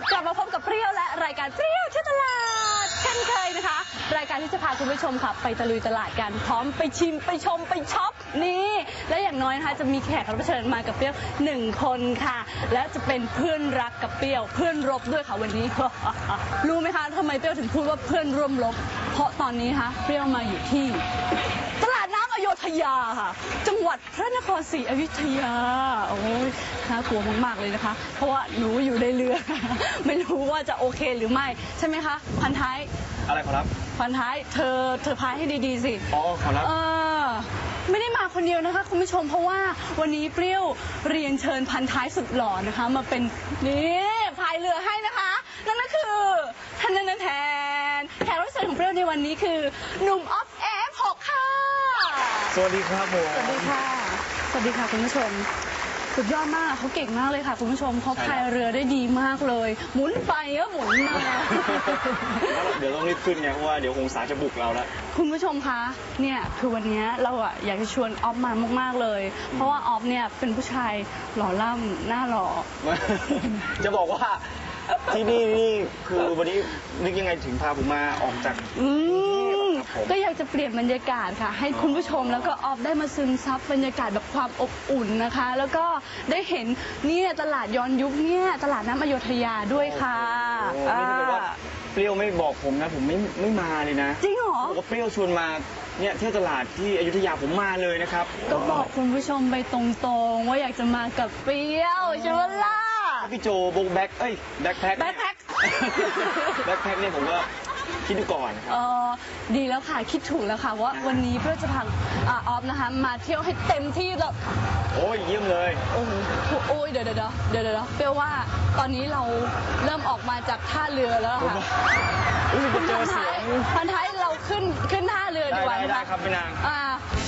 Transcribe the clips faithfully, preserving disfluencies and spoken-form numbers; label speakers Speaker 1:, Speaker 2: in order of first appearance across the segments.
Speaker 1: กลับมาพบกับเปรี้ยวและรายการเปรี้ยวที่ตลาดเช่นเคยนะคะรายการที่จะพาคุณผู้ชมค่ะไปตะลุยตลาดกันพร้อมไปชิมไปชมไปช็อปนี่และอย่างน้อยนะคะจะมีแขกรับเชิญมากับเปรี้ยวหนึ่งคนค่ะและจะเป็นเพื่อนรักกับเปรี้ยวเพื่อนรบด้วยค่ะวันนี้ รู้ไหมคะทำไมเปรี้ยวถึงพูดว่าเพื่อนร่วมรบเพราะตอนนี้คะเปรี้ยวมาอยู่ที่ตลาดน้ำอโยธยาค่ะจังหวัดพระนครศรีอยุธยาโอ้ยน่ากลัวมากๆเลยนะคะเพราะว่าหนูอยู่ในเรือ ไม่รู้ว่าจะโอเคหรือไม่ใช่ไหมคะพันท้าย
Speaker 2: อะไรขอรับ
Speaker 1: พันท้ายเธอเธอพายให้ดีๆสิ
Speaker 2: อ๋อขอรับ
Speaker 1: เออไม่ได้มาคนเดียวนะคะคุณผู้ชมเพราะว่าวันนี้เปรี้ยวเรียนเชิญพันท้ายสุดหล่อนะคะมาเป็นนี่พายเรือให้นะคะนั่นก็คือท่านนันแทนแขกรับเชิญของเปรี้ยวในวันนี้คือหนุ่มออฟเอฟหกค่ะ
Speaker 2: สวัสดีครับผม
Speaker 1: สวัสดีค่ะสวัสดีค่ะคุณผู้ชมสุดยอดมากเขาเก่งมากเลยค่ะคุณผู้ชมเขาพายเรือได้ดีมากเลยหมุนไปก็หมุนมา
Speaker 2: เดี๋ยวต้องรีบขึ้นไงเพราะว่าเดี๋ยวคงสาจะบุกเราแล้ว
Speaker 1: คุณผู้ชมคะเนี่ยคือวันนี้เราอะอยากจะชวนออฟมามากๆเลยเพราะว่าออฟเนี่ยเป็นผู้ชายหล่อล่ำหน้าหล่อ
Speaker 2: จะบอกว่าที่นี่นี่คือวันนี้นึกยังไงถึงพาผมมาออกจาก
Speaker 1: อืมก็อยากจะเปลี่ยนบรรยากาศค่ะให้คุณผู้ชมแล้วก็ออฟได้มาซึมซับบรรยากาศแบบความอบอุ่นนะคะแล้วก็ได้เห็นเนี่ยตลาดย้อนยุคเนี่ยตลาดน้ำอโยธยาด้วยค่ะ
Speaker 2: เปรี้ยวไม่บอกผมนะผมไม่ไม่มาเลยนะ
Speaker 1: จริงเหรอ
Speaker 2: บอกว่าเปรี้ยวชวนมาเนี่ยเที่ยวตลาดที่อยุธยาผมมาเลยนะครับ
Speaker 1: ก็บอกคุณผู้ชมไปตรงๆว่าอยากจะมากับเปรี้ยวใช่ไหมล่ะ
Speaker 2: พี่โจบงแบ็คเอ้ยแบ็คแพ็ค
Speaker 1: แบ็คแพ็ค
Speaker 2: แบ็คแพ็คเนี่ยผมก็คิดดูก่อนครับ
Speaker 1: เออดีแล้วค่ะคิดถูกแล้วค่ะว่าวันนี้เพื่อจะพาออฟนะคะมาเที่ยวให้เต็มที่แล้ว
Speaker 2: โอ้ยเยี่ยมเลย
Speaker 1: โอ้โหโอ้ยเดี๋ยวเดี๋ยวเดี๋ยวเดี๋ยวเปรี้ยวว่าตอนนี้เราเริ่มออกมาจากท่าเรือแล้วค่ะ
Speaker 2: คุณพันท้าย
Speaker 1: พันท้ายเราขึ้นขึ้นท่าเรือดีกว่า
Speaker 2: ได้ครับพี่นาง
Speaker 1: อ่า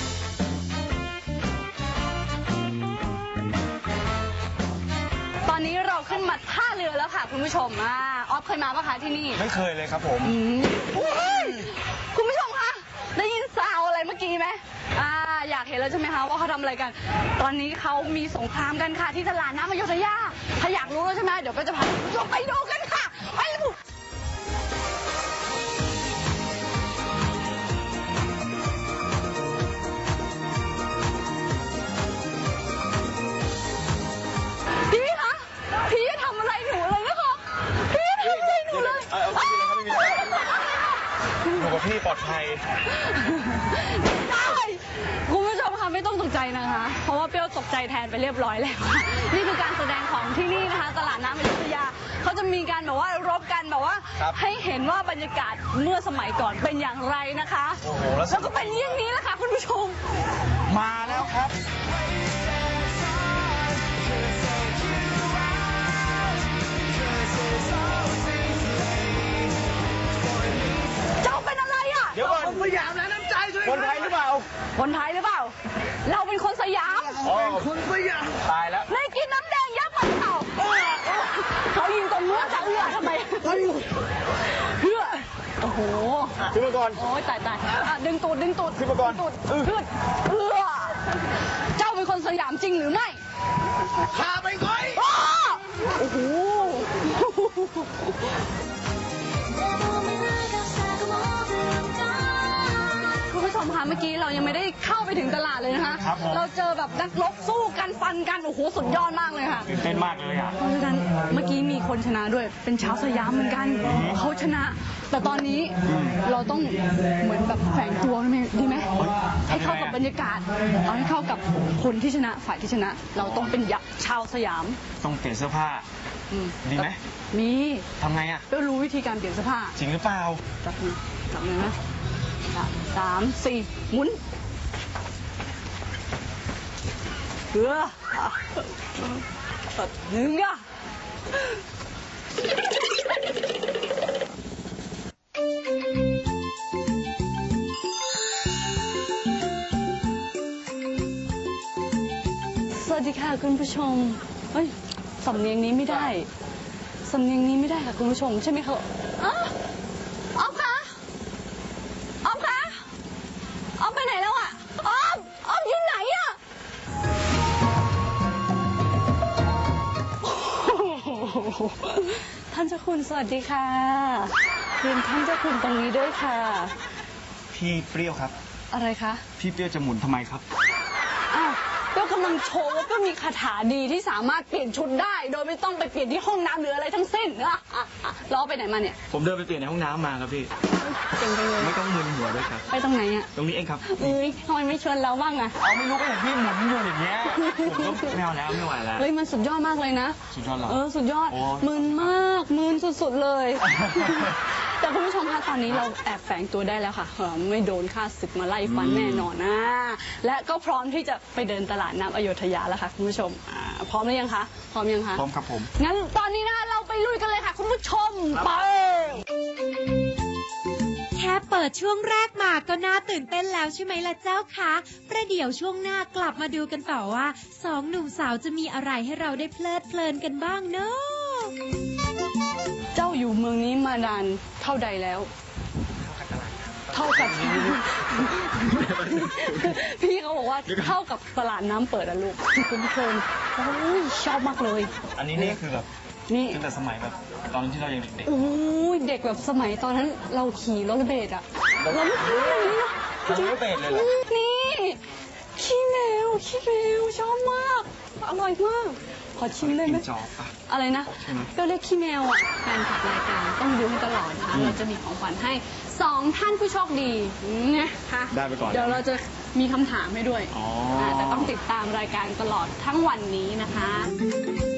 Speaker 1: ตอนนี้เราขึ้นมาท่าเรือแล้วค่ะคุณผู้ชมอ่าออฟเคยมาปะคะที่นี่
Speaker 2: ไม่เคยเลยครับผม
Speaker 1: คุณผู้ชมคะได้ยินซาวอะไรเมื่อกี้ไหมอ่าอยากเห็นแล้วใช่ไหมคะว่าเขาทำอะไรกันตอนนี้เขามีสงครามกันค่ะที่ตลาดน้ำอโยธยาถ้าอยากรู้แล้วใช่ไหมเดี๋ยวก็จะพาคุณผู้ชมไปดูกันค่ะไปเลย
Speaker 2: อยู่กับพี่ปลอดภัย
Speaker 1: ได้คุณผู้ชมคะไม่ต้องตกใจนะคะเพราะว่าเปรี้ยวตกใจแทนไปเรียบร้อยแล้วนี่คือการแสดงของที่นี่นะคะตลาดน้ำอยุธยาเขาจะมีการแบบว่ารบกันแบบว่าให้เห็นว่าบรรยากาศเมื่อสมัยก่อนเป็นอย่างไรนะคะแล้วก็เป็นอย่างนี้แหละค่ะคุณผู้ชม
Speaker 2: มาแล้วครับเดี๋ยวก่อน
Speaker 3: คนสยามแล้วน้ำใจช่วย
Speaker 2: คนไทยหรือเปล่า
Speaker 1: คนไทยหรือเปล่าเราเป็นคนสยาม
Speaker 3: คนสยาม
Speaker 2: ตายแล้ว
Speaker 1: ได้กินน้ำแดงยักษ์มันเต่าเขายิงตรงเนื้อจะเอื้อทำไมเพื่อโอ้โห
Speaker 2: ขึ้นมาก่อน
Speaker 1: โอ้ยตายตายดึงตูดดึงตูด
Speaker 2: ขึ้นมาก่อน
Speaker 1: ตูดขึ้นเอื้อเจ้าเป็นคนสยามจริงหรือไม่
Speaker 3: ข้าไปก่อน
Speaker 1: โอ้โหคุณผู้ชมคะเมื่อกี้เรายังไม่ได้เข้าไปถึงตลาดเลยนะคะเราเจอแบบนักรบสู้กันฟันกันโอ้โหสุดยอดมากเลยค่ะ
Speaker 2: ตื่นเต้นมากเลยอ่ะ
Speaker 1: เพราะฉะนั้นเมื่อกี้มีคนชนะด้วยเป็นชาวสยามเหมือนกันเขาชนะแต่ตอนนี้เราต้องเหมือนแบบแฝงตัวดีไหมให้เข้ากับบรรยากาศเอาให้เข้ากับคนที่ชนะฝ่ายที่ชนะเราต้องเป็นยักษ์ชาวสยาม
Speaker 2: ต้องเปลี่ยนเสื้อผ้าดีไหม
Speaker 1: มี
Speaker 2: ทำไงอ่ะ
Speaker 1: ก็รู้วิธีการเปลี่ยนเสื้อผ้า
Speaker 2: จริงหรือเปล่า
Speaker 1: จับมือจับมือนะสามสี่หมุนเพื่อหนึ่งอ่ะสวัสดีค่ะคุณผู้ชมเฮ้ยสำเนียงนี้ไม่ได้สำเนียงนี้ไม่ได้ค่ะคุณผู้ชมใช่ไหมคะอ๋อออฟคะออฟคะออฟไปไหนแล้วอ่ะออฟออฟอยู่ไหนอ่ะโอ้โหท่านเจ้าคุณสวัสดีค่ะเรียนท่านเจ้าคุณตรงนี้ด้วยค่ะ
Speaker 2: พี่เปรี้ยวครับ
Speaker 1: อะไรคะ
Speaker 2: พี่เปรี้ยวจะหมุนทำไมครับ
Speaker 1: อ้าวก็กำลังโชว์ว่าก็มีคาถาดีที่สามารถเปลี่ยนชุดได้ โดยไม่ต้องไปเปลี่ยนที่ห้องน้ำหรืออะไรทั้งสิ้นอ่ะอ่ะอ่ะล้อไปไหนมาเนี่ย
Speaker 2: ผมเดินไปเปลี่ยนในห้องน้ำมาครับพี่
Speaker 1: เก่งไปเลย
Speaker 2: ไม่ต้องมึนหัวด้วยครับ
Speaker 1: ไปตรงไหนอ่ะ
Speaker 2: ตรงนี้เองครับ
Speaker 1: เอ้ยทำไมไม่ชวนเราบ้างอ่ะ
Speaker 2: เอาไม่รู้ก็เห็นพี่หมุนอยู่อย่างเงี้ย ผมก็ไม่เอาแล้วไม่ไหวแล้ว
Speaker 1: เฮ้ยมันสุดยอดมากเลยนะ
Speaker 2: สุดยอดเหรอ
Speaker 1: เออสุดยอด
Speaker 2: โอ้
Speaker 1: มึนมากมึนสุดๆเลย แต่คุณผู้ชมคะตอนนี้เราแอบแฝงตัวได้แล้วค่ะเออไม่โดนฆ่าศึกมาไล่ฟันแน่นอนนะและก็พร้อมที่จะไปเดินตลาดน้ำอโยธยาแล้วค่ะคุณผู้ชมอ่าพร้อมหรือยังคะพร้อมยังคะ
Speaker 2: พร้อมครับผม
Speaker 1: งั้นตอนนี้นะคะเราไปลุยกันเลยค่ะคุณผู้ชมไป
Speaker 4: แค่เปิดช่วงแรกมาก็น่าตื่นเต้นแล้วใช่ไหมล่ะเจ้าคะประเดี๋ยวช่วงหน้ากลับมาดูกันต่อว่าสองหนุ่มสาวจะมีอะไรให้เราได้เพลิดเพลินกันบ้างเนาะ
Speaker 1: เจ้าอยู่เมืองนี้มานานเท่าใดแล้ว เท่ากับ พี่เขาบอกว่าเท่ากับตลาดน้ำเปิดอะลูกคุณผู้ชมโอ้ยชอบมากเลย
Speaker 2: อันนี้นี่คือแบบ
Speaker 1: นี่
Speaker 2: ตั้งแต่สมัยแบบตอนที่เรายังเด็ก
Speaker 1: โอ้ยเด็กแบบสมัยตอนนั้นเราขี่รถเบสอะเราไม่เคยแบบนี้นะ
Speaker 2: ๆเราไม่เบสเลยเหรอ
Speaker 1: นี่ขี้แมวขี้แมวชอบมาก อร่อยมาก ขอชิมได้ไหม
Speaker 2: กินจอบปะ
Speaker 1: อะไรนะ
Speaker 2: ใช่ไหม
Speaker 1: ก็เรียกขี้แมวอ่ะแฟนคลับรายการต้องดูให้ตลอดนะคะ
Speaker 2: อืม
Speaker 1: เราจะมีของขวัญให้สองท่านผู้โชคดีนะคะ
Speaker 2: ได้ไปก่อน
Speaker 1: เดี๋ยวเราจะมีคำถามให้ด้วย
Speaker 2: อ๋ออ่
Speaker 1: าแต่ต้องติดตามรายการตลอดทั้งวันนี้นะคะ